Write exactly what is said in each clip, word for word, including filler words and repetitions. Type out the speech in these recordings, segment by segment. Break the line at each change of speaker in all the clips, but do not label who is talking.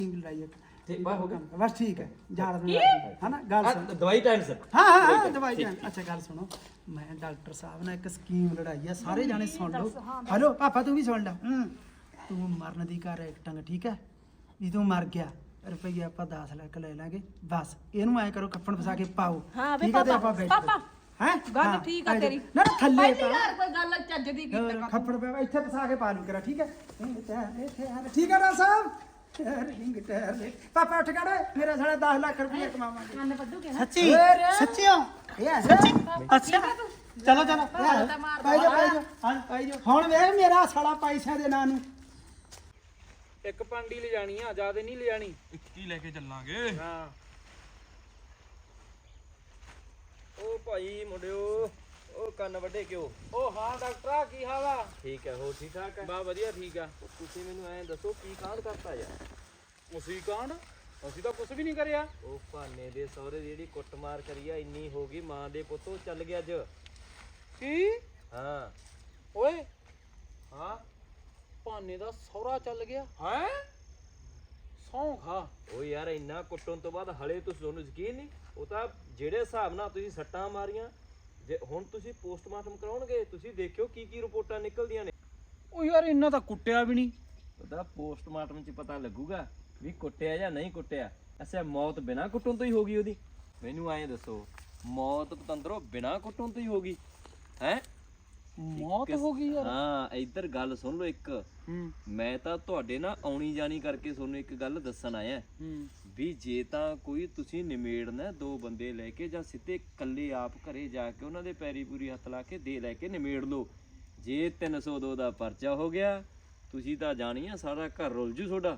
ਲੜਾਈ ਇੱਕ
ਠੀਕ ਬਾ ਹੋ ਗਿਆ
ਬਸ ਠੀਕ ਹੈ ਜਾੜ ਨੂੰ ਹੈ ਨਾ ਗੱਲ ਸੁਣ
ਦਵਾਈ ਟਾਈਮ ਸਰ
ਹਾਂ ਹਾਂ ਹਾਂ ਦਵਾਈ ਟਾਈਮ ਅੱਛਾ ਗੱਲ ਸੁਣੋ ਮੈਂ ਡਾਕਟਰ ਸਾਹਿਬ ਨਾਲ ਇੱਕ ਸਕੀਮ ਲੜਾਈ ਆ ਸਾਰੇ ਜਾਣੇ ਸੁਣ ਲਓ ਹਲੋ ਪਾਪਾ ਤੂੰ ਵੀ ਸੁਣ ਲੈ ਹੂੰ ਤੂੰ ਮਰਨ ਦੀ ਕਰ ਐਕਟਿੰਗ ਠੀਕ ਹੈ ਵੀ ਤੂੰ ਮਰ ਗਿਆ ਰੁਪਈਆ ਆਪਾਂ ਦਸ ਲੱਖ ਲੈ ਲਾਂਗੇ ਬਸ ਇਹਨੂੰ ਐ ਕਰੋ ਕੱਫਣ ਫਸਾ ਕੇ ਪਾਓ ਠੀਕ ਹੈ ਤੇ ਆਪਾਂ ਬੈਠ
ਪਾਪਾ
ਹੈ
ਗੱਲ ਠੀਕ ਆ ਤੇਰੀ
ਨਾ ਨਾ ਥੱਲੇ
ਪਹਿਲੀ ਵਾਰ ਕੋਈ ਗੱਲ ਚੱਜ ਦੀ ਕੀਤੀ
ਖੱਪੜ ਪਿਆ ਇੱਥੇ ਫਸਾ ਕੇ ਪਾ ਲੂ ਕਰਾ ਠੀਕ ਹੈ ਠੀਕ ਹੈ ਨਾ ਸਾਹਿਬ ਰਿੰਗ ਟਾਇਰ ਲੈ ਪਾਪਾ ਉੱਠ ਖੜ ਮੇਰਾ ਸਾਲਾ ਦਸ ਲੱਖ ਰੁਪਏ ਕਮਾਵਾਂਗੇ
ਕੰਨ ਵੱਢੂਗੇ ਨਾ
ਸੱਚੀ ਸੱਚੀਓ ਇਹ ਸੱਚੀ ਅੱਛਾ ਚਲੋ ਚਲੋ ਪਾਈ ਜਾ ਪਾਈ ਜਾ ਹਾਂ ਪਾਈ ਜਾ ਹੁਣ ਵੇਖ ਮੇਰਾ ਸਾਲਾ ਪੈਸਿਆਂ ਦੇ ਨਾਂ ਨੂੰ
ਇੱਕ ਪੰਡੀ ਲੈ ਜਾਣੀ ਆ ਜਿਆਦਾ ਨਹੀਂ ਲੈ ਜਾਣੀ
ਇੱਕੀ ਲੈ ਕੇ ਚੱਲਾਂਗੇ
ਹਾਂ
ਓ ਭਾਈ ਮੁੰਡਿਓ ਉਹ ਕੰਨ ਵੱਡੇ ਕਿਉਂ
ਉਹ ਹਾਂ ਡਾਕਟਰਾ ਕੀ ਹਾਲ ਆ
ਠੀਕ ਹੈ ਹੋ ਠੀਕ ਠਾਕ ਹੈ
ਬਾ ਵਧੀਆ ਠੀਕ ਆ
ਤੁਸੀਂ ਮੈਨੂੰ ਐਂ ਦੱਸੋ ਕੀ ਕਾਂਡ ਕਰਤਾ ਯਾਰ
ਅਸੀਂ ਕਾਂਡ ਅਸੀਂ ਤਾਂ ਕੁਝ ਵੀ ਨਹੀਂ ਕਰਿਆ
ਉਹ ਭਾਨੇ ਦੇ ਸਹੁਰੇ ਦੀ ਜਿਹੜੀ ਕੁੱਟਮਾਰ ਕਰੀ ਆ ਇੰਨੀ ਹੋ ਗਈ ਮਾਂ ਦੇ ਪੁੱਤੋਂ ਚੱਲ ਗਿਆ ਅੱਜ
ਕੀ
ਹਾਂ
ਓਏ
ਹਾਂ
ਭਾਨੇ ਦਾ ਸਹੁਰਾ ਚੱਲ ਗਿਆ ਹੈ ਸੌਂ ਖਾ
ਉਹ ਯਾਰ ਇੰਨਾ ਕੁੱਟਣ ਤੋਂ ਬਾਅਦ ਹਲੇ ਤੁਸੀਂ ਤੁਹਾਨੂੰ ਯਕੀਨ ਨਹੀਂ ਉਹ ਤਾਂ ਜਿਹੜੇ ਹਿਸਾਬ ਨਾਲ ਤੁਸੀਂ ਸੱਟਾਂ ਮਾਰੀਆਂ ਜੇ ਹੁਣ ਤੁਸੀਂ ਪੋਸਟਮਾਰਟਮ ਕਰਾਉਣਗੇ ਤੁਸੀਂ ਦੇਖਿਓ ਕੀ ਕੀ ਰਿਪੋਰਟਾਂ ਨਿਕਲਦੀਆਂ ਨੇ
ਉਹ ਯਾਰ ਇੰਨਾ ਤਾਂ ਕੁੱਟਿਆ ਵੀ ਨਹੀਂ
ਉਹਦਾ ਪੋਸਟਮਾਰਟਮ 'ਚ ਪਤਾ ਲੱਗੂਗਾ ਵੀ ਕੁੱਟਿਆ ਜਾਂ ਨਹੀਂ ਕੁੱਟਿਆ ਅੱਛਾ ਮੌਤ ਬਿਨਾਂ ਕੁੱਟਣ ਤੋਂ ਹੀ ਹੋ ਗਈ ਉਹਦੀ ਮੈਨੂੰ ਐਂ ਦੱਸੋ ਮੌਤ ਪਤੰਦਰੋਂ ਬਿਨਾਂ ਕੁੱਟਣ ਤੋਂ ਹੀ ਹੋ ਗਈ ਹੈ
ਮੌਤ ਹੋ ਗਈ ਯਾਰ
ਹਾਂ ਇੱਧਰ ਗੱਲ ਸੁਣ ਲਓ ਇੱਕ
ਹੂੰ
ਮੈਂ ਤਾਂ ਤੁਹਾਡੇ ਨਾਲ ਆਉਣੀ ਜਾਣੀ ਕਰਕੇ ਤੁਹਾਨੂੰ ਇੱਕ ਗੱਲ ਦੱਸਣ ਆਇਆ
ਹੂੰ
ਵੀ ਜੇ ਤਾਂ ਕੋਈ ਤੁਸੀਂ ਨਿਮੇੜਨਾ ਦੋ ਬੰਦੇ ਲੈ ਕੇ ਜਾਂ ਸਿੱਧੇ ਇਕੱਲੇ ਆਪ ਘਰੇ ਜਾ ਕੇ ਉਹਨਾਂ ਦੇ ਪੈਰੀ ਪੂਰੀ ਹੱਥ ਲਾ ਕੇ ਦੇ ਲੈ ਕੇ ਨਿਮੇੜ ਲਓ ਜੇ ਤਿੰਨ ਸੌ ਦੋ ਦਾ ਪਰਚਾ ਹੋ ਗਿਆ ਤੁਸੀਂ ਤਾਂ ਜਾਣੀ ਆ ਸਾਰਾ ਘਰ ਰੁੱਲ ਜੂ ਤੁਹਾਡਾ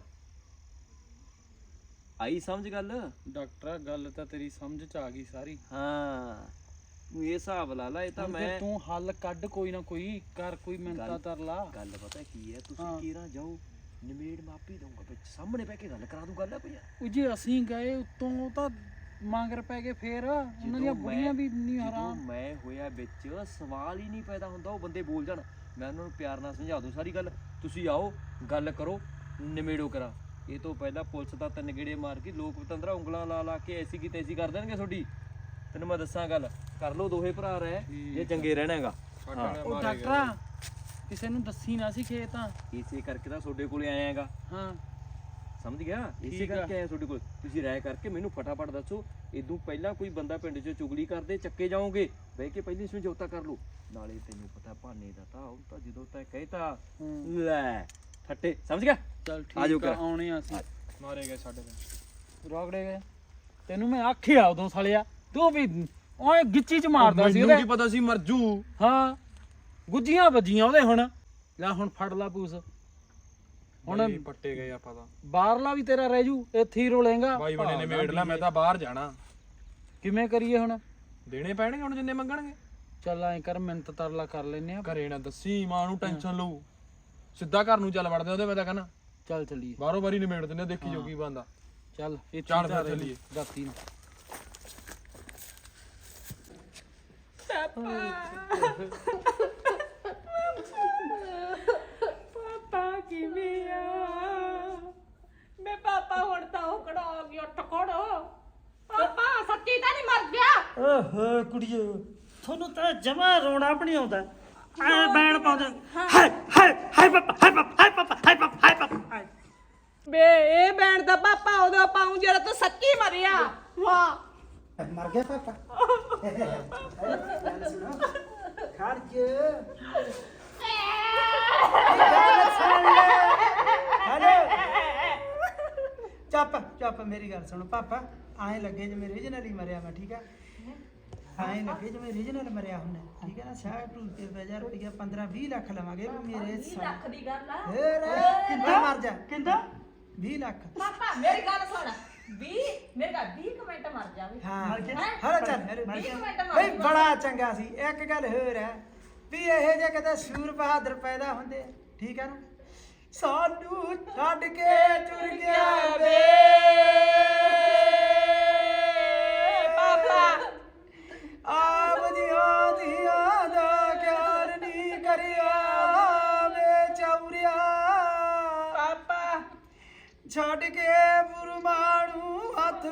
ਆਈ ਸਮਝ ਗੱਲ
ਡਾਕਟਰ ਗੱਲ ਤਾਂ ਤੇਰੀ ਸਮਝ ਚ ਆ ਗਈ ਸਾਰੀ
ਹਾਂ ਤੂੰ ਇਹ ਹਿਸਾਬ ਲਾ ਲਾ ਇਹ ਤਾਂ
ਹੁਣ
ਮੈਂ
ਫਿਰ ਤੂੰ ਹੱਲ ਕੱਢ ਕੋਈ ਨਾ ਕੋਈ ਕਰ ਕੋਈ ਮਿੰਤਾ ਤਰ ਲਾ
ਗੱਲ ਪਤਾ ਕੀ ਹੈ
ਹਾਂ।
ਤੁਸੀਂ ਕੀਰਾਂ ਜਾਓ ਨਿਮੇੜ ਮਾਪੀ ਦਊਂਗਾ ਵਿੱਚ ਸਾਹਮਣੇ ਬਹਿ ਕੇ ਗੱਲ ਕਰਾ ਦੂੰ ਗੱਲ ਹੈ ਭਈਆ
ਉਹ ਜੇ ਅਸੀਂ ਗਏ ਉਤੋਂ ਤਾਂ ਮੰਗਰ ਪੈ ਗਏ ਫੇਰ ਉਹਨਾਂ ਦੀਆਂ ਬੁੜੀਆਂ ਵੀ ਨਹੀਂ
ਜਦੋਂ
ਹਰਾਮ
ਮੈਂ ਹੋਇਆ ਵਿੱਚ ਸਵਾਲ ਹੀ ਨਹੀਂ ਪੈਦਾ ਹੁੰਦਾ ਉਹ ਬੰਦੇ ਬੋਲ ਜਾਣ ਮੈਂ ਉਹਨਾਂ ਨੂੰ ਪਿਆਰ ਨਾਲ ਸਮਝਾ ਦੂੰ ਸਾਰੀ ਗੱਲ ਤੁਸੀਂ ਆਓ ਗੱਲ ਕਰੋ ਨਿਮੇੜੋ ਕਰਾ ਇਹ ਤੋਂ ਪਹਿਲਾਂ ਪੁਲਿਸ ਦਾ ਤਿੰਨ ਗੇੜੇ ਮਾਰ ਕੇ ਲੋਕ ਪਤੰਦਰਾ ਉਂਗਲਾਂ ਲਾ ਲਾ ਕੇ ਐਸੀ ਕੀ ਤੈਸੀ ਕਰ ਦੇਣਗੇ ਤੁਹਾਡੀ ਤੈਨੂੰ ਮੈਂ ਦੱਸਾਂ ਗੱਲ ਕਰ ਲਓ ਦੋਹੇ ਭਰਾ ਰਹਿ ਜੇ ਚੰਗੇ ਰਹਿਣਾ ਹੈਗਾ
ਉਹ ਡਾਕਟਰਾ ਕਿਸੇ ਨੂੰ ਦੱਸੀ ਨਾ ਸੀ ਖੇਤਾਂ
ਇਸੇ ਕਰਕੇ ਤਾਂ ਤੁਹਾਡੇ ਕੋਲੇ ਆਇਆ ਹੈਗਾ
ਹਾਂ
ਸਮਝ ਗਿਆ ਇਸੇ
ਠੀਕ ਆ।
ਕਰਕੇ ਆਇਆ ਤੁਹਾਡੇ ਕੋਲ ਤੁਸੀਂ ਰਾਇ ਕਰਕੇ ਮੈਨੂੰ ਫਟਾਫਟ ਦੱਸੋ ਇਦੋਂ ਪਹਿਲਾਂ ਕੋਈ ਬੰਦਾ ਪਿੰਡ 'ਚ ਚੁਗਲੀ ਕਰਦੇ ਚੱਕੇ ਜਾਓਗੇ ਬਹਿ ਕੇ ਪਹਿਲੀ ਸਮਝੌਤਾ ਕਰ ਲਓ ਨਾਲੇ ਤੈਨੂੰ ਪਤਾ ਭਾਨੇ ਦਾ ਤਾਂ ਉਹ ਤਾਂ ਜਦੋਂ ਤੈਂ ਕਹਿਤਾ ਲੈ ਠੱਟੇ ਸਮਝ ਗਿਆ
ਚਲ
ਆ ਜਾਓ
ਠੀਕ ਆ
ਘਰ।
ਆਉਣੇ ਆ ਅਸੀਂ ਮਾਰੇ ਗਏ ਸਾਡੇ ਤੇ ਰੋਗੜੇ ਗਏ ਤੈਨੂੰ ਮੈਂ ਆਖਿਆ ਉਦੋਂ ਸਾਲਿਆ ਤੂੰ ਵੀ ਓਏ ਗਿੱਚੀ ਚ ਮਾਰਦਾ ਸੀ ਉਹਦੇ
ਮੈਨੂੰ ਕੀ ਪਤਾ ਸੀ ਮਰਜੂ
ਹਾਂ ਗੁੱਜੀਆਂ ਵੱਜੀਆਂ ਉਹਦੇ ਹੁਣ ਲੈ ਹੁਣ ਫੜ ਲਾ ਪੂਸ ਹੁਣ
ਹੁਣ ਪੱਟੇ ਗਏ ਆਪਾਂ ਤਾਂ
ਬਾਹਰਲਾ ਵੀ ਤੇਰਾ ਰਹਿ ਜੂ ਇੱਥੇ ਹੀ ਰੋਲੇਗਾ
ਬਾਈ ਬਣੇ ਨੇ ਮੇੜ ਲਾ ਮੈਂ ਤਾਂ ਬਾਹਰ ਜਾਣਾ
ਕਿਵੇਂ ਕਰੀਏ ਹੁਣ
ਦੇਣੇ ਪੈਣਗੇ ਹੁਣ ਜਿੰਨੇ ਮੰਗਣਗੇ
ਚੱਲ ਐਂ ਕਰ ਮਿੰਤ ਤਰਲਾ ਕਰ ਲੈਨੇ ਆ
ਘਰੇ ਨਾ ਦੱਸੀ ਮਾਂ ਨੂੰ ਟੈਨਸ਼ਨ ਲਊ ਸਿੱਧਾ ਘਰ ਨੂੰ ਚੱਲ ਵੜਦੇ ਉਹਦੇ ਮੈਂ ਤਾਂ ਕਹਿੰਦਾ
ਚੱਲ ਚੱਲੀਏ
ਬਾਹਰੋਂ ਬਾਰੀ ਨਿਮੇੜ ਦਿੰਦੇ ਦੇਖੀ ਜੋ ਕੀ ਬੰਦਾ
ਚੱਲ ਇਹ
ਚੱਲ ਫਿਰ ਚੱਲੀਏ।
ਰਾਤੀ ਨੂੰ
ਪਾਪਾ ਕਿਵੇਂ ਆ ਮੈਂ ਪਾਪਾ ਹੁਣ ਤਾਂ ਉਹ ਖੜਾ ਗਿਆ ਟਕੜੋ ਪਾਪਾ ਸੱਚੀ ਤਾਂ ਨਹੀਂ ਮਰ ਗਿਆ
ਓਹੋ ਕੁੜੀਓ ਤੁਹਾਨੂੰ ਤਾਂ ਜਮਾ ਰੋਣਾ ਵੀ ਨਹੀਂ ਆਉਂਦਾ ਐ ਬੈਣ ਪਾਉਂਦੇ ਹਾਏ ਹਾਏ ਹਾਏ ਪਾਪਾ ਹਾਏ ਪਾਪਾ ਹਾਏ ਪਾਪਾ ਹਾਏ ਪਾਪਾ ਹਾਏ ਪਾਪਾ ਹਾਏ
ਬੇ ਇਹ ਬੈਣ ਦਾ ਪਾਪਾ ਉਹਦਾ ਪਾਉਂ ਜਿਹੜਾ ਤੂੰ ਸੱਚੀ ਮਰਿਆ ਵਾਹ
ਮਰ ਗਿਆ ਪਾਪਾ ਗੱਲ ਸੁਣੋ ਖੜ ਜੇ ਚੱਪ ਚੱਪ ਮੇਰੀ ਗੱਲ ਸੁਣ ਪਾਪਾ ਆਏ ਲੱਗੇ ਜਿਵੇਂ ਰੀਜਨਲ ਹੀ ਮਰਿਆ ਮੈਂ ਠੀਕ ਹੈ ਆਏ ਲੱਗੇ ਜਿਵੇਂ ਰੀਜਨਲ ਮਰਿਆ ਹੁੰਦਾ ਠੀਕ ਹੈ ਨਾ ਸਾਹ ਟੂ ਤੇ ਹਜ਼ਾਰ ਰੁਪਇਆ ਪੰਦਰਾਂ ਵੀਹ ਲੱਖ ਲਵਾਂਗੇ ਮੇਰੇ
ਲੱਖ ਦੀ ਗੱਲ ਆ
ਫੇਰ ਕਿੰਨਾ ਮਰ ਜਾ
ਕਿੰਦਾ
ਵੀਹ ਲੱਖ
ਪਾਪਾ ਮੇਰੀ ਗੱਲ ਸੁਣ ਵੀਹ ਮੇਰੇ ਘਰ ਵੀਹ ਕੁ ਮਿੰਟ ਮਰ ਜਾਵੇ
ਹਾਂ
ਮਰ ਗਿਆ?
ਹਰ ਚੱਲ
ਵੀਹ ਕੁ ਮਿੰਟ ਮਰ
ਬਈ ਬੜਾ ਚੰਗਾ ਸੀ ਇੱਕ ਗੱਲ ਹੋਰ ਹੈ ਵੀ ਇਹ ਜੇ ਕਿਤੇ ਸੂਰ ਬਹਾਦਰ ਪੈਦਾ ਹੁੰਦੇ ਠੀਕ ਹੈ ਨਾ ਸਾਨੂੰ ਛੱਡ ਕੇ ਤੁਰ ਗਿਆ ਵੇ
ਪਾਪਾ
ਆਪ ਦੀਆਂ ਧੀਆਂ ਦਾ ਖਿਆਲ ਨਹੀਂ ਕਰਿਆ ਵੇ ਚੌਰਿਆ
ਪਾਪਾ
ਛੱਡ ਕੇ ਪਰਮਾਣੂ ਹੱਥ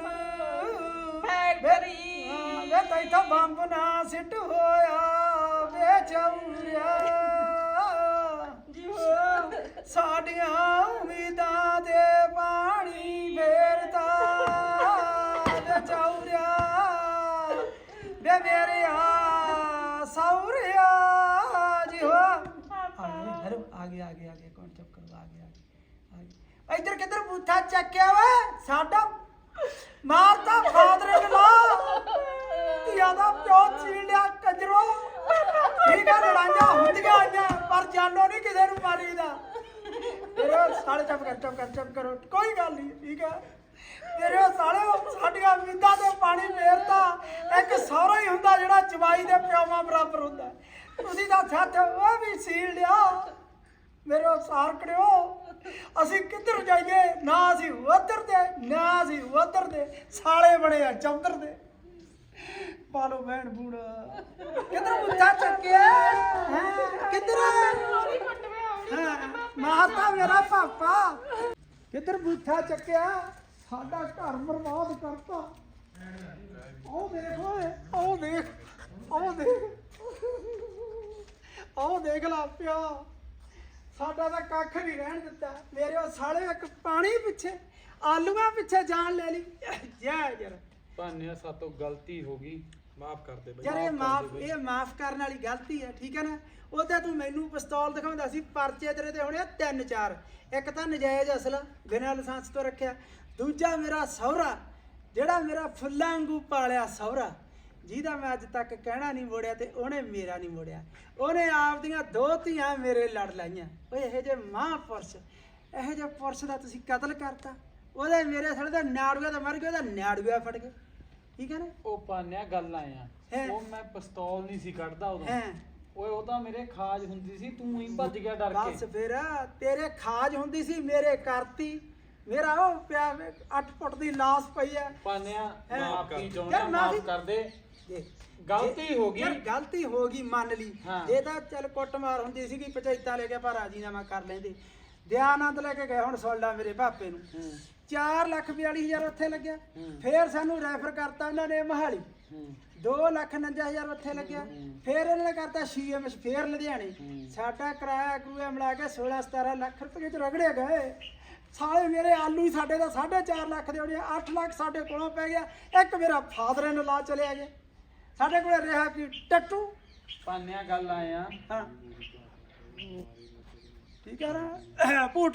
ਫੈਕਟਰੀ
ਵੇ ਤੈਥੋਂ ਬੰਬ ਨਾ ਸਿੱਟ ਹੋਇਆ ਵੇ ਚੌਰਿਆ
ਜੀ ਹੋ
ਸਾਡੀਆਂ ਉਮੀਦਾਂ ਦੇ ਪਾਣੀ ਫੇਰਦਾ ਵੇ ਚੌਰਿਆ ਵੇ ਮੇਰੇ ਆ ਸੌਰਿਆ ਜੀ ਹੋ ਹੈਲੋ ਆ ਗਿਆ ਆ ਗਿਆ ਆ ਗਿਆ ਕੌਣ ਚੁੱਪ ਕਰੋ ਆ ਗਿਆ ਆ ਗਿਆ ਇੱਧਰ ਕਿੱਧਰ ਬੂਥਾ ਚੱਕਿਆ ਵਾ ਸਾਡਾ ਮਾਰਤਾ ਫਾਦਰ ਨੇ ਲਾ ਧੀਆਂ ਦਾ ਪਿਓ ਛੀਨ ਲਿਆ ਕੰਜਰੋ ਠੀਕ ਆ ਲੜਾਈਆਂ ਹੁੰਦੀਆਂ ਆਈਆਂ ਪਰ ਜਾਨੋ ਨਹੀਂ ਕਿਸੇ ਨੂੰ ਮਾਰੀਦਾ ਮੇਰੇ ਸਾਲੇ ਚੁੱਪ ਕਰ ਚੁੱਪ ਕਰ ਚੁੱਪ ਕਰੋ ਕੋਈ ਗੱਲ ਨਹੀਂ ਠੀਕ ਆ ਮੇਰੇ ਸਾਲੇ ਸਾਡੀਆਂ ਉਮੀਦਾਂ ਤੇ ਪਾਣੀ ਫੇਰਦਾ ਇੱਕ ਸਹੁਰਾ ਹੀ ਹੁੰਦਾ ਜਿਹੜਾ ਜਵਾਈ ਦੇ ਪਿਓਾਂ ਬਰਾਬਰ ਹੁੰਦਾ ਤੁਸੀਂ ਤਾਂ ਸੱਚ ਉਹ ਵੀ ਸੀਲ ਲਿਆ ਮੇਰੇ ਸਾਰ ਕਰਿਓ ਅਸੀਂ ਕਿੱਧਰ ਜਾਈਏ ਨਾ ਅਸੀਂ ਉਧਰ ਦੇ ਨਾ ਅਸੀਂ ਉਧਰ ਦੇ ਸਾਲੇ ਬਣੇ ਆ ਚੌਧਰ ਦੇ ਪਾਲੋ ਭੈਣ ਬੂੜ ਕਿੱਧਰ ਬੁੱਧਾ ਚੱਕਿਆ ਹੈ ਕਿੱਧਰ ਹਾਂ ਮਾਤਾ ਮੇਰਾ ਪਾਪਾ ਕਿੱਧਰ ਬੁੱਧਾ ਚੱਕਿਆ ਸਾਡਾ ਘਰ ਬਰਬਾਦ ਕਰਤਾ ਉਹ ਦੇਖ ਓਏ ਉਹ ਦੇਖ ਉਹ ਦੇਖ ਉਹ ਦੇਖ ਲਾ ਪਿਆ ਸਾਡਾ ਤਾਂ ਕੱਖ ਨਹੀਂ ਰਹਿਣ ਦਿੱਤਾ ਮੇਰੇ ਉਹ ਸਾਲੇ ਇੱਕ ਪਾਣੀ ਪਿੱਛੇ ਆਲੂਆਂ ਪਿੱਛੇ ਜਾਨ ਲੈ ਲਈ ਜੈ ਯਾਰ
ਭਾਨਿਆ ਸਾਤੋਂ ਗਲਤੀ ਹੋ ਗਈ ਮਾਫ ਕਰ ਦੇ ਬਈ
ਯਾਰ ਇਹ ਮਾਫ ਇਹ ਮਾਫ ਕਰਨ ਵਾਲੀ ਗਲਤੀ ਹੈ ਠੀਕ ਹੈ ਨਾ ਉਹ ਤਾਂ ਤੂੰ ਮੈਨੂੰ ਪਿਸਤੌਲ ਦਿਖਾਉਂਦਾ ਸੀ ਪਰਚੇ ਤੇਰੇ ਤੇ ਹੋਣੇ ਆ ਤਿੰਨ ਚਾਰ ਇੱਕ ਤਾਂ ਨਜਾਇਜ਼ ਅਸਲ ਬਿਨਾਂ ਲਾਇਸੈਂਸ ਤੋਂ ਰੱਖਿਆ ਦੂਜਾ ਮੇਰਾ ਸਹੁਰਾ ਜਿਹੜਾ ਮੇਰਾ ਫੁੱਲਾਂ ਵਾਂਗੂ ਪਾਲਿਆ ਸਹੁਰਾ ਜਿਹਦਾ ਮੈਂ ਅੱਜ ਤੱਕ ਕਹਿਣਾ ਨਹੀਂ ਮੋੜਿਆ ਤੇ ਉਹਨੇ ਮੇਰਾ ਨਹੀਂ ਮੋੜਿਆ ਉਹਨੇ ਆਪਦੀਆਂ ਦੋ ਧੀਆਂ ਮੇਰੇ ਲੜ ਲਾਈਆਂ ਓਏ ਇਹੋ ਜਿਹੇ ਮਹਾਂਪੁਰਸ਼ ਇਹੋ ਜਿਹੇ ਪੁਰਸ਼ ਦਾ ਤੁਸੀਂ ਕਤਲ ਕਰਤਾ ਉਹਦੇ ਮੇਰੇ ਥੜੇ ਦਾ ਨਾੜੂਆ ਤਾਂ ਮਰ ਗਿਆ ਉਹਦਾ ਨਾੜੂਆ ਫੜ ਗਿਆ ਠੀਕ ਹੈ ਨਾ
ਉਹ ਭਾਨਿਆ ਗੱਲ ਆਇਆ
ਹੈਂ।
ਉਹ ਮੈਂ ਪਿਸਤੌਲ ਨਹੀਂ ਸੀ ਕੱਢਦਾ ਉਦੋਂ
ਹੈ
ਓਏ ਉਹ ਤਾਂ ਮੇਰੇ ਖਾਜ ਹੁੰਦੀ ਸੀ ਤੂੰ ਹੀ ਭੱਜ ਗਿਆ ਡਰ
ਬਸ
ਕੇ
ਫਿਰ ਤੇਰੇ ਖਾਜ ਹੁੰਦੀ ਸੀ ਮੇਰੇ ਕਰਤੀ ਮੇਰਾ ਉਹ ਪਿਆ ਅੱਠ ਫੁੱਟ ਦੀ ਲਾਸ਼ ਪਈ ਹੈ
ਭਾਨਿਆ
ਹੈਂ।
ਮਾਫੀ
ਯਾਰ
ਚਾਹੁੰਦਾ
ਮਾਫ਼ੀ-
ਮਾਫ ਕਰ ਦੇ
ਦੇਖ,
ਗਲਤੀ ਹੋ ਗਈ
ਯਾਰ ਗਲਤੀ ਹੋ ਗਈ ਮੰਨ ਲਈ
ਹਾਂ।
ਇਹ ਤਾਂ ਚੱਲ ਕੁੱਟਮਾਰ ਹੁੰਦੀ ਸੀਗੀ ਪੰਚਾਇਤਾਂ ਲੈ ਕੇ ਪਰ ਰਾਜੀਨਾਮਾ ਕਰ ਲੈਂਦੇ ਦਿਆਨੰਦ ਲੈ ਕੇ ਗਏ ਹੁਣ ਸੁਣ ਲਾ ਮੇਰੇ ਭਾਪੇ ਨੂੰ
ਹੂੰ
ਚਾਰ ਲੱਖ ਬਿਆਲੀ ਹਜ਼ਾਰ ਉੱਥੇ ਲੱਗਿਆ
ਹੂੰ।
ਫੇਰ ਸਾਨੂੰ ਰੈਫਰ ਕਰਤਾ ਉਹਨਾਂ ਨੇ ਮਹਾਲੀ
ਹੂੰ
ਦੋ ਲੱਖ ਉਣੰਜਾ ਹਜ਼ਾਰ ਉੱਥੇ ਲੱਗਿਆ ਫੇਰ ਇਹਨਾਂ ਨੇ ਕਰਤਾ ਸੀਐਮਐਸ ਫੇਰ ਲੁਧਿਆਣੇ
ਹੂੰ।
ਸਾਡਾ ਕਿਰਾਇਆ ਕਰੂਆ ਮਿਲਾ ਕੇ ਸੋਲਾਂ ਸਤਾਰਾਂ ਲੱਖ ਰੁਪਏ ਚ ਰਗੜੇ ਗਏ ਸਾਲੇ ਮੇਰੇ ਆਲੂ ਹੀ ਸਾਡੇ ਦਾ ਸਾਢੇ ਚਾਰ ਲੱਖ ਦੇ ਹੋਣੇ ਆ, ਅੱਠ ਲੱਖ ਸਾਡੇ ਕੋਲੋਂ ਪੈ ਗਿਆ ਇੱਕ ਮੇਰਾ ਫਾਦਰ ਨੇ ਲਾ ਚਲਿਆ ਗਿਆ ਸਾਡੇ ਕੋਲ ਰਿਹਾ ਕਿ ਟੱਟੂ
ਭਾਨਿਆ ਗੱਲ ਆਇਆ
ਹਾਂ ਠੀਕ ਹੈ ਨਾ ਭੂਟ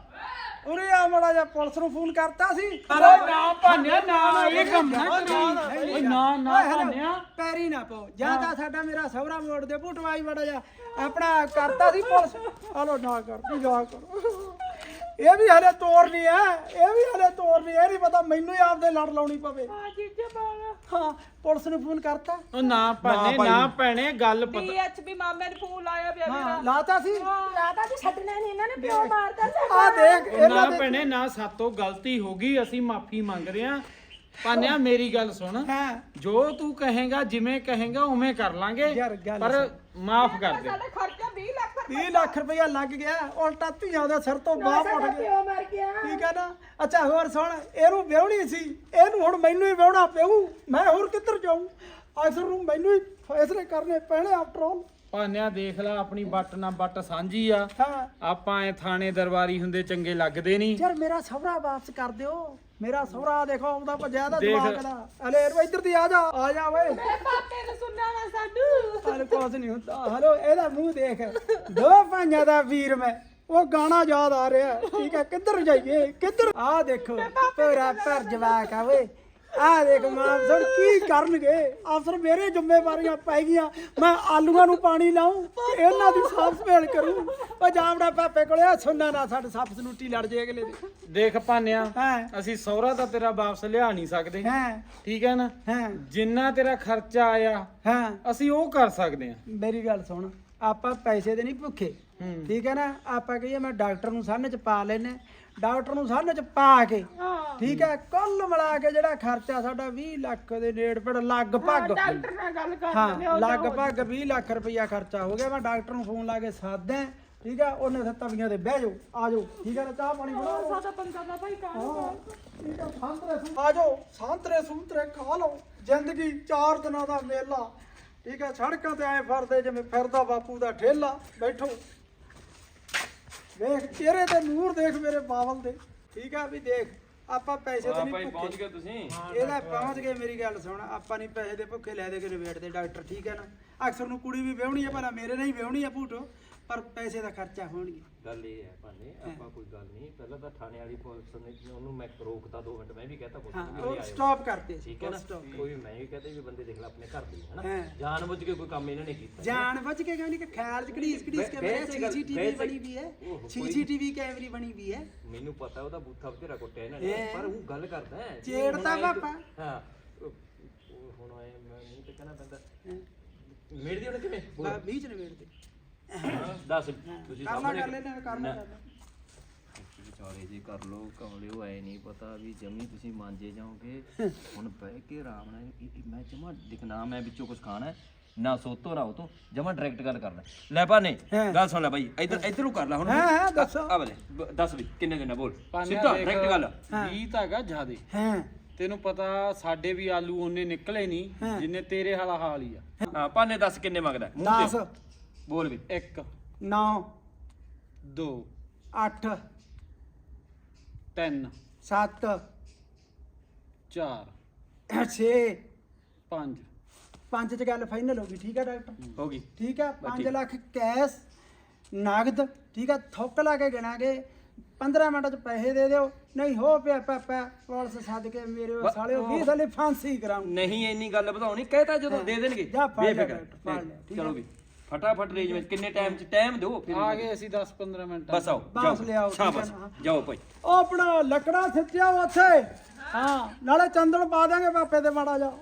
ਉਰੇ ਆ ਮੜਾ ਜਾ ਪੁਲਿਸ ਨੂੰ ਫੋਨ ਕਰਤਾ ਸੀ
ਓਏ ਨਾ ਭਾਨਿਆ ਨਾ ਇਹ ਕੰਮ ਨਾ ਕਰੀ ਓਏ ਨਾ ਨਾ
ਓਏ ਹੈਲੋ,
ਭਾਨਿਆ
ਪੈਰੀ ਨਾ ਪਾਓ ਜਾਂ ਤਾਂ ਸਾਡਾ ਮੇਰਾ ਸਹੁਰਾ ਮੋੜ ਦੇ ਭੂਟਵਾਈ ਮੜਾ ਜਾ ਆਪਣਾ ਕਰਤਾ ਸੀ ਪੁਲਿਸ ਹਲੋ ਨਾ ਕਰ ਤੂੰ ਜਾ ਕਰ ਇਹ ਵੀ ਹਲੇ ਤੋਰਨੀ ਹੈ ਇਹ ਵੀ ਹਲੇ ਤੋਰਨੀ ਹੈ ਇਹ ਨਹੀਂ ਪਤਾ ਮੈਨੂੰ ਹੀ ਆਪਦੇ ਲੜ ਲਾਉਣੀ ਪਵੇ
ਆ ਜੀਜੇ ਬਾਲਾ
ਹਾਂ ਪੁਲਿਸ ਨੂੰ ਫੋਨ ਕਰਤਾ
ਉਹ ਨਾ ਭਾਨੇ ਨਾ ਭੈਣੇ ਗੱਲ ਪਤਾ
ਡੀਐਚਪੀ ਮਾਮੇ ਨੇ ਫੋਨ ਲਾਇਆ ਪਿਆ ਮੇਰਾ
ਹਾਂ ਲਾਤਾ ਸੀ
ਲਾਦਾ ਜੀ ਛੱਡਣਾ ਨਹੀਂ ਇਹਨਾਂ ਨੇ ਪਿਓ ਮਾਰਦਾ ਸੀ
ਆ ਦੇਖ
ਉਹ ਨਾ
ਇਹਨਾਂ ਦੇ
ਭੈਣੇ ਨਾ ਸਾਤੋਂ ਗਲਤੀ ਹੋ ਗਈ ਅਸੀਂ ਮਾਫੀ ਮੰਗ ਰਹੇ ਹਾਂ ਭਾਨਿਆ ਮੇਰੀ ਗੱਲ ਸੁਣ
ਹਾਂ
ਜੋ ਤੂੰ ਕਹੇਗਾ ਜਿਵੇਂ ਕਹੇਗਾ ਉਵੇਂ ਕਰ ਲਾਂਗੇ
ਯਾਰ ਗੱਲ
ਪਰ ਮਾਫ ਕਰ ਦੇ
ਸਾਡਾ ਖਰਚਾ ਵੀਹ ਲੱਖ ਰੁਪਏ
ਵੀਹ ਲੱਖ ਰੁਪਇਆ ਲੱਗ ਗਿਆ ਉਲਟਾ ਧੀਆਂ ਦੇ ਸਿਰ ਤੋਂ ਬਾਹਰ ਉੱਠ ਗਿਆ
ਪਿਓ ਮਰ ਗਿਆ
ਠੀਕ ਹੈ ਨਾ ਅੱਛਾ ਹੋਰ ਸੁਣ ਇਹਨੂੰ ਵਿਆਹਣੀ ਸੀ ਇਹਨੂੰ ਹੁਣ ਮੈਨੂੰ ਹੀ ਵਿਆਹਣਾ ਪਊ ਮੈਂ ਹੋਰ ਕਿੱਧਰ ਜਾਊਂ ਆਖਰ ਨੂੰ ਮੈਨੂੰ ਹੀ ਫੈਸਲੇ ਕਰਨੇ ਪੈਣੇ ਆਫਟਰ ਆਲ
ਭਾਨਿਆ ਦੇਖ ਲੈ ਆਪਣੀ ਬੱਟ ਨਾਲ ਬੱਟ ਸਾਂਝੀ ਆ
ਹਾਂ
ਆਪਾਂ ਐ ਥਾਣੇ ਦਰਬਾਰੀ ਹੁੰਦੇ ਚੰਗੇ ਲੱਗਦੇ ਨਹੀਂ
ਯਾਰ ਮੇਰਾ ਸਹੁਰਾ ਵਾਪਸ ਕਰ ਦਿਓ ਮੇਰਾ ਸਹੁਰਾ ਦੇਖੋ ਉਹਦਾ ਭੱਜਿਆ ਦਾ
ਦੇਖ।
ਦਿਮਾਗ ਦਾ ਹਲੇ ਇੱਧਰ ਦੀ ਆ ਜਾ ਆ ਜਾ ਓਏ
ਮੇਰੇ ਪਾਪੇ ਨੇ ਸੁਣਨਾ ਵਾ ਸਾਨੂੰ
ਹਲੇ ਕੁਝ ਨਹੀਂ ਹੁੰਦਾ ਹਲੋ ਇਹਦਾ ਮੂੰਹ ਦੇਖ ਦੋ ਭਾਈਆਂ ਦਾ ਵੀਰ ਮੈਂ ਉਹ ਗਾਣਾ ਯਾਦ ਆ ਰਿਹਾ ਠੀਕ ਹੈ ਕਿੱਧਰ ਜਾਈਏ ਕਿੱਧਰ ਆ ਦੇਖੋ ਤੇਰਾ ਭਰ ਜਵਾਕ ਆ ਓਏ ਆ ਦੇਖ ਮਾਂ ਸੁਣ ਕੀ ਕਰਨਗੇ ਅਫਸਰ ਮੇਰੇ ਜ਼ਿੰਮੇਵਾਰੀਆਂ ਪੈ ਗਈਆਂ ਮੈਂ ਆਲੂਆਂ ਨੂੰ ਪਾਣੀ ਲਾਉਂ ਇਹਨਾਂ ਦੀ ਸਾਫ ਸੰਭਾਲ ਕਰੂੰ ਉਹ ਜਾਵੜਾ ਪਾਪੇ ਕੋਲੇ ਆ ਸੁਣਨਾ ਨਾ ਸਾਡੇ ਸੱਪ ਸਨੂਟੀ ਲੜ ਜੇ ਅਗਲੇ ਦੇ
ਦੇਖ ਭਾਨਿਆ
ਹਾਂ
ਅਸੀਂ ਸਹੁਰਾ ਤਾਂ ਤੇਰਾ ਵਾਪਸ ਲਿਆ ਨਹੀਂ ਸਕਦੇ
ਹਾਂ
ਠੀਕ ਹੈ ਨਾ
ਹਾਂ
ਜਿੰਨਾ ਤੇਰਾ ਖਰਚਾ ਆਇਆ
ਹਾਂ
ਅਸੀਂ ਉਹ ਕਰ ਸਕਦੇ ਹਾਂ
ਮੇਰੀ ਗੱਲ ਸੁਣ ਆਪਾਂ ਪੈਸੇ ਦੇ ਨਹੀਂ ਭੁੱਖੇ
ਹੂੰ।
ਠੀਕ ਹੈ ਨਾ ਆਪਾਂ ਕਹੀਏ ਮੈਂ ਡਾਕਟਰ ਨੂੰ ਸਾਹਮਣੇ ਚ ਪਾ ਲੈਨੇ ਡਾਕਟਰ ਨੂੰ ਸਾਹਮਣੇ ਚ ਪਾ ਕੇ ਠੀਕ ਹੈ ਕੁੱਲ ਮਿਲਾ ਕੇ ਜਿਹੜਾ ਖਰਚਾ ਸਾਡਾ ਵੀਹ ਲੱਖ ਦੇ ਨੇੜੇ ਪੜ ਲਗਭਗ
ਡਾਕਟਰ ਨਾਲ ਗੱਲ ਕਰ ਲੈਂਦੇ
ਹਾਂ ਲਗਭਗ ਵੀਹ ਲੱਖ ਰੁਪਈਆ ਖਰਚਾ ਹੋ ਗਿਆ ਮੈਂ ਡਾਕਟਰ ਨੂੰ ਫੋਨ ਲਾ ਕੇ ਸਾਧਾਂ ਠੀਕ ਹੈ ਉਹਨੇ ਫਿਰ ਤਵੀਆਂ ਤੇ ਬਹਿ ਜਾਓ ਆ ਜਾਓ ਠੀਕ ਹੈ ਨਾ ਚਾਹ ਪਾਣੀ ਬਣਾਓ
ਸਾਡਾ ਬੰਦਾ ਦਾ ਭਾਈ ਕਾਹਨੂੰ
ਠੀਕ ਹੈ ਸੰਤਰੇ ਸੂ ਆ ਜਾਓ ਸੰਤਰੇ ਸੂਤਰੇ ਖਾ ਲਓ ਜ਼ਿੰਦਗੀ ਚਾਰ ਦਿਨਾਂ ਦਾ ਮੇਲਾ ਠੀਕ ਹੈ ਸੜਕਾਂ ਤੇ ਐ ਫਿਰਦੇ ਜਿਵੇਂ ਫਿਰਦਾ ਬਾਪੂ ਦਾ ਠੇਲਾ ਬੈਠੋ ਵੇਖ ਚਿਹਰੇ ਤੇ ਨੂਰ ਦੇਖ ਮੇਰੇ ਬਾਵਲ ਦੇ ਠੀਕ ਆ ਵੀ ਦੇਖ ਆਪਾਂ ਪੈਸੇ ਤੇ
ਹਾਂ
ਨਹੀਂ
ਭਾਈ
ਭੁੱਖੇ
ਪਹੁੰਚ ਗਏ ਤੁਸੀਂ
ਇਹਦਾ ਪਹੁੰਚ ਗਏ ਮੇਰੀ ਗੱਲ ਸੁਣ ਆਪਾਂ ਨਹੀਂ ਪੈਸੇ ਦੇ ਭੁੱਖੇ ਲੈ ਦੇ ਕੇ ਨਿਬੇੜਦੇ ਡਾਕਟਰ ਠੀਕ ਹੈ ਨਾ ਅਕਸਰ ਨੂੰ ਕੁੜੀ ਵੀ ਵਿਆਹਣੀ ਹੈ ਭਲਾ ਮੇਰੇ ਨਹੀਂ ਵਿਆਹਣੀ ਹੈ ਭੂਟੋ ਪਰ ਪੈਸੇ ਦਾ ਖਰਚਾ ਹੋਣਗੇ
ਗੱਲ ਇਹ ਹੈ ਭਾਨੇ ਆਪਾਂ ਕੋਈ ਗੱਲ ਨਹੀਂ ਪਹਿਲਾਂ ਤਾਂ ਥਾਣੇ ਵਾਲੀ ਪੁਲਿਸ ਨੇ ਉਹਨੂੰ ਮੈਂ ਰੋਕਤਾ ਦੋ ਮਿੰਟ ਮੈਂ ਵੀ ਕਹਤਾ ਪੁਲਿਸ
ਹਾਂ
ਨੂੰ ਵੀ
ਉਹ
ਆਇਓ
ਸਟਾਪ ਕਰਤੇ
ਠੀਕ ਹੈ ਨਾ
stop
ਕੋਈ ਮੈਂ ਵੀ ਕਹਤਾ ਵੀ ਬੰਦੇ ਦੇਖ ਲੈ ਆਪਣੇ ਘਰ ਦੇ ਹਨਾ
ਹਾਂ।
ਜਾਣ ਬੁੱਝ ਕੇ ਕੋਈ ਕੰਮ ਇਹਨਾਂ ਨੇ ਕੀਤਾ
ਜਾਣ ਬੁੱਝ ਕੇ ਕਹਿੰਦੀ ਕਿ ਖਿਆਲ ਚ ਘੜੀਸ ਘੜੀਸ ਕੇ ਮੇਰੇ
ਬੈਠ ਕੇ ਗੱਲ-
ਸੀਸੀਟੀਵੀ
ਬੈਠ ਕੇ-
ਬਣੀ ਵੀ ਹੈ
ਓਹੋ, ਕੋਈ-
ਸੀਸੀਟੀਵੀ ਕੈਮਰੀ ਬਣੀ ਵੀ ਹੈ
ਮੈਨੂੰ ਪਤਾ ਉਹਦਾ ਬੂਥਾ ਬਥੇਰਾ ਕੁੱਟਿਆ ਇਹਨਾਂ ਨੇ
ਹੈਂ।
ਪਰ ਉਹ ਗੱਲ ਕਰਦਾ ਹੈ
ਛੇੜਤਾ
ਹੁਣ ਆਏਂ
ਪਾਪਾ।
ਹਾਂ ਉਹ- ਉਹ ਹੁਣ ਆਏ ਮੈਂ ਮੂੰਹ ਤੇ ਕਹਿਣਾ ਪੈਂਦਾ ਮੇੜ ਦੀ ਉਹਨੇ ਕਿਵੇਂ
ਬਾ ਬੀਚ ਨਿਬੇੜਦੇ
ਦੱਸ ਤੁਸੀਂ
ਕਰ ਲਾ
ਸਾਹਮਣੇ
ਕਰ ਲੈਣਾ ਕਰ ਲਾ ਕਰ ਲਾ।
ਵਿਚਾਰੇ ਜੀ ਕਰ ਲੋ ਕਮਲਿਓ ਐ ਨਹੀਂ ਪਤਾ ਵੀ ਜਮੀ ਤੁਸੀਂ ਮਾਂਜੇ ਜਾਓਗੇ ਹੁਣ ਬਹਿ ਕੇ ਆਰਾਮ ਨਾਲ ਇਹ- ਇਹ ਮੈਂ ਜਮਾ ਦਿਖਣਾ ਮੈਂ ਵਿੱਚੋਂ ਕੁਝ ਖਾਣਾ ਹੈ, ਨਾ ਸੋਤੋ ਨਾ ਉਤੋਂ ਜਮਾ ਡਾਇਰੈਕਟ ਗੱਲ ਕਰਨਾ ਲੈ ਭਾਨੇ
ਹਾਂ।
ਗੱਲ ਸੁਣ ਲੈ ਬਾਈ ਇੱਧਰ ਇੱਧਰ ਨੂੰ ਕਰ ਲੈ ਹੁਣ
ਹਾਂ, ਹਾਂ, ਦੱਸੋ।
ਆ ਬਲੇ ਦੱਸ ਵੀ ਕਿੰਨੇ ਦਿਨ ਬੋਲ
ਪਾਨਿਆ
ਸਿੱਧਾ
ਦੇਖ,
ਡਾਇਰੈਕਟ ਗੱਲ
ਵੀਹ ਤਾਂ ਹੈਗਾ ਜ਼ਿਆਦੇ
ਹਾਂ
ਤੈਨੂੰ ਪਤਾ ਸਾਡੇ ਵੀ ਆਲੂ ਉਹਨੇ ਨਿਕਲੇ ਨਹੀਂ ਜਿੰਨੇ ਤੇਰੇ ਹਾਲਾ ਹਾਲ ਹੀ ਆ
ਹਾਂ ਭਾਨੇ ਦੱਸ ਕਿੰਨੇ ਮੰਗਦਾ ਮੂੰਹ
ਦਸ
ਤੇ ਬੋਲ ਵੀ
ਇੱਕ
ਨੌ
ਦੋ
ਅੱਠ
ਤਿੰਨ
ਸੱਤ
ਚਾਰ
ਛੇ
ਪੰਜ
ਪੰਜ ਚ ਗੱਲ ਫਾਈਨਲ ਹੋ ਗਈ ਠੀਕ ਹੈ ਡਾਕਟਰ
ਹੋ ਗਈ
ਠੀਕ ਹੈ ਪੰਜ
ਠੀਕ।
ਲੱਖ ਕੈਸ਼ ਨਗਦ ਠੀਕ ਹੈ ਥੁੱਕ ਲਾ ਕੇ ਗਿਣਾਂਗੇ ਪੰਦਰਾਂ ਮਿੰਟ ਚ ਪੈਸੇ ਦੇ ਦਿਓ ਨਹੀਂ ਹੋ ਪਿਆ ਪਾਪਾ ਪੁਲਿਸ ਸੱਦ ਕੇ ਮੇਰੇ ਉਹ ਸਾਲਿਓ ਵੀਹ ਸਾਲੇ ਫਾਂਸੀ ਕਰਾਉਂ
ਨਹੀਂ ਇੰਨੀ ਗੱਲ ਵਧਾਉਣੀ ਕਹਿਤਾ ਜਦੋਂ ਦੇ ਦੇਣਗੇ
ਜਾ ਫੜ ਲਿਆ
ਬੇਫਿਕਰ
ਡਾਕਟਰ, ਫੜ ਲਿਆ, ਠੀਕ
ਚਲੋ
ਹੈ।
ਵੀ ਫਟਾਫਟ ਰੇਂਜ ਵਿੱਚ ਕਿੰਨੇ ਟਾਈਮ ਚ ਟਾਈਮ ਦਿਓ ਫਿਰ
ਆ ਗਏ ਅਸੀਂ ਦਸ ਪੰਦਰਾਂ ਮਿੰਟ
ਬਸ ਆਓ
ਬਸ
ਜਾਓ
ਲਿਆਓ, ਠੀਕ ਹੈ
ਸ਼ਾਬਾਸ਼
ਨਾ।
ਜਾਓ ਭਾਈ
ਉਹ ਆਪਣਾ ਲੱਕੜਾ ਸਿੱਟਿਆ ਉੱਥੇ ਹਾਂ ਨਾਲੇ ਚੰਦਨ ਪਾ ਦਾਂਗੇ ਪਾਪੇ ਤੇ ਮਾੜਾ ਜਾ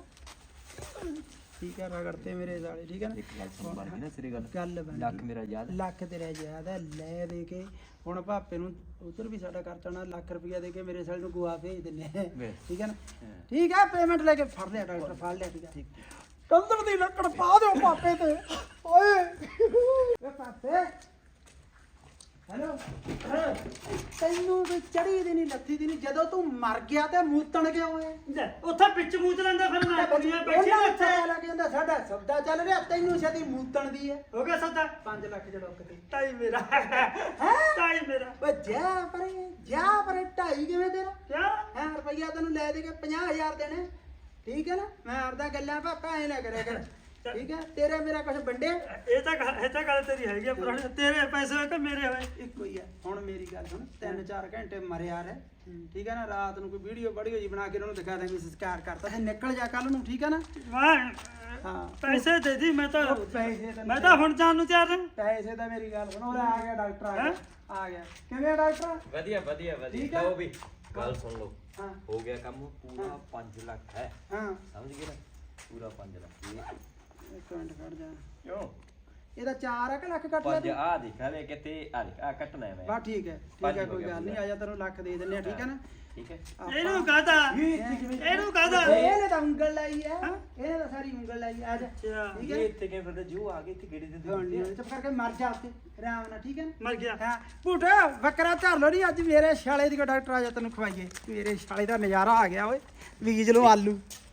ਠੀਕ ਹੈ ਰਗੜਤੇ ਮੇਰੇ ਸਾਲੇ ਠੀਕ ਹੈ ਨਾ
ਇੱਕ ਗੱਲ ਸੁਣ ਬਾਰ ਨਾ ਸਿਰੇ ਗੱਲ
ਗੱਲ ਬਣ
ਲੱਖ ਮੇਰਾ ਯਾਦ
ਲੱਖ ਤੇਰਾ ਯਾਦ ਹੈ ਲੈ ਦੇ ਕੇ ਹੁਣ ਪਾਪੇ ਨੂੰ ਉਧਰ ਵੀ ਸਾਡਾ ਖਰਚਾ ਨਾ ਲੱਖ ਰੁਪਇਆ ਦੇ ਕੇ ਮੇਰੇ ਸਾਲੇ ਨੂੰ ਗੋਆ ਭੇਜ ਦਿੰਨੇ ਆ।
ਵੇ।
ਠੀਕ ਹੈ ਨਾ ਠੀਕ ਹੈ ਪੇਮੈਂਟ ਲੈ ਕੇ ਫੜ ਲਿਆ ਡਾਕਟਰ ਫੜ ਲਿਆ ਠੀਕ ਹੈ ਕੰਦਰ ਦੀ ਲੱਕੜ ਪਾ ਦਿਓ ਪਾਪੇ ਤੇ ਓਏ ਵੇ ਪਾਪੇ ਹੈਲੋ ਤੈਨੂੰ ਤੇ ਚੜੀ ਦੀ ਨਹੀਂ ਲੱਥੀ ਦੀ ਨਹੀਂ ਜਦੋਂ ਤੂੰ ਮਰ ਗਿਆ ਤੇ ਮੂਤਣ ਗਿਆ ਓਏ
ਲੈ, ਉੱਥੇ ਵਿੱਚ ਮੂਤ ਲੈਂਦਾ ਫਿਰ ਮੈਂ ਕੁੜੀਆਂ ਬੈਠੀ
ਉਹਨਾਂ
ਨੇ
ਉੱਥੇ
ਉੱਥੇ
ਲੱਗ ਜਾਂਦਾ ਸਾਡਾ ਸੌਦਾ ਚੱਲ ਰਿਹਾ ਤੈਨੂੰ ਛੇਤੀ ਮੂਤਣ ਦੀ ਹੈ
ਹੋ ਗਿਆ ਸੌਦਾ
ਪੰਜ ਲੱਖ ਚ ਡੁੱਕ ਤੇ
ਤਾਈ ਮੇਰਾ ਤਾਈ ਮੇਰਾ
ਓ ਜਾ ਪਰੇ ਜਾ ਪਰੇ ਢਾਈ ਕਿਵੇਂ ਤੇਰਾ
ਕਿਆ
ਹਾਂ ਰੁਪਈਆ ਤੈਨੂੰ ਲੈ ਦੇ ਕੇ ਪੰਜਾਹ ਹਜ਼ਾਰ ਦੇਣੇ ਠੀਕ ਹੈ ਨਾ ਮੈਂ ਆਪਦਾ ਗੱਲਾਂ ਪਾਪਾ ਐ ਨਾ ਕਰਿਆ ਕਰ ਠੀਕ ਹੈ ਤੇਰੇ ਮੇਰਾ ਕੁਝ ਵੰਡੇ
ਇਹ ਤਾਂ ਗੱਲ- ਇਹ ਤਾਂ ਗੱਲ ਤੇਰੀ ਹੈਗੀ ਆ ਪੁਰਾਣੀ ਤੇਰੇ ਪੈਸੇ ਹੋਏ ਕਿ ਮੇਰੇ ਹੋਏ
ਇੱਕੋ ਹੀ ਹੈ ਹੁਣ ਮੇਰੀ ਗੱਲ ਸੁਣ ਤਿੰਨ ਚਾਰ ਘੰਟੇ ਮਰਿਆ ਰਹਿ ਠੀਕ ਹੈ ਨਾ ਰਾਤ ਨੂੰ ਕੋਈ ਵੀਡੀਓ ਵੀਡੀਓ ਜੀ ਬਣਾ ਕੇ ਉਹਨੂੰ ਦਿਖਾ ਦਾਂਗੇ ਸੰਸਕਾਰ ਕਰਤਾ ਤੇ ਨਿਕਲ ਜਾ ਕੱਲ ਨੂੰ ਠੀਕ ਹੈ ਨਾ
ਮੈਂ
ਹਾਂ
ਪੈਸੇ ਦੇ ਦੀ ਮੈਂ ਤਾਂ
ਉਹ ਪੈਸੇ ਤਾਂ
ਮੈਂ ਤਾਂ ਹੁਣ ਜਾਣ ਨੂੰ ਤਿਆਰ ਹਾਂ
ਪੈਸੇ ਤਾਂ ਮੇਰੀ ਗੱਲ ਸੁਣ ਉਹ ਆ ਗਿਆ ਡਾਕਟਰ ਆ ਗਿਆ ਆ ਗਿਆ ਕਿਵੇਂ ਆ ਡਾਕਟਰ
ਵਧੀਆ ਵਧੀਆ
ਠੀਕ
ਵਧੀਆ
ਹੈ।
ਲਓ ਵੀ ਗੱਲ ਸੁਣ ਲਓ
ਹਾਂ
ਹੋ ਗਿਆ ਕੰਮ ਪੂਰਾ ਪੰਜ ਲੱਖ ਹੈ
ਹਾਂ
ਸਮਝ ਗਏ ਨਾ ਪੂਰਾ ਪੰਜ ਲੱਖ ਇਹ
ਇੱਕ ਮਿੰਟ ਖੜ ਜਾ
ਕਿਉਂ
ਇਹਦਾ ਚਾਰ ਆ ਕਿ ਲੱਖ ਕੱਟ ਲਿਆ
ਪੰਜ
ਤੂੰ
ਆ ਦੇਖ ਹਲੇ ਕਿਤੇ ਆ ਦੇਖ ਆ ਕੱਟਣਾ ਹੈ ਮੈਂ
ਬਾ ਠੀਕ ਹੈ ਠੀਕ
ਪੰਜ
ਹੈ
ਹੋ
ਕੋਈ
ਗਿਆ
ਗੱਲ ਨਹੀਂ
ਪੂਰਾ।
ਆ ਜਾ ਤੈਨੂੰ ਲੱਖ ਦੇ ਦਿੰਨੇ ਆ ਠੀਕ ਹੈ ਨਾ
ਠੀਕ ਹੈ
ਇਹਨੂੰ ਕਹਦਾ ਇਹਨੂੰ ਕਹਦਾ
ਇਹਨੇ ਤਾਂ ਉਂਗਲ ਲਾਈ ਆ ਇਹਨੇ ਤਾਂ ਸਾਰੀ ਉਂਗਲ ਲਾਈ ਆ ਜਾ
ਅੱਛਾ
ਠੀਕ
ਇਹ
ਹੈ
ਇੱਥੇ ਕਿਵੇਂ ਫਿਰਦੇ ਜੂ ਆ ਗਏ ਇੱਥੇ ਗੇੜੇ ਦੇ
ਹੁਣ ਨਹੀਂ ਚੁੱਪ ਕਰਕੇ ਮਰ ਜਾ ਉੱਤੇ ਆਰਾਮ ਨਾਲ ਠੀਕ ਹੈ ਨਾ
ਮਰ ਗਿਆ
ਹਾਂ ਭੂਟਾ ਬੱਕਰਾ ਧਰ ਲੋ ਨਹੀਂ ਅੱਜ ਮੇਰੇ ਛਾਲੇ ਦੀ ਕੋ ਡਾਕਟਰ ਆ ਜਾ ਤੈਨੂੰ ਖਵਾਈਏ ਮੇਰੇ ਛਾਲੇ ਦਾ ਨਜ਼ਾਰਾ ਆ ਗਿਆ ਓਏ ਬੀਜ ਲੋ ਆਲੂ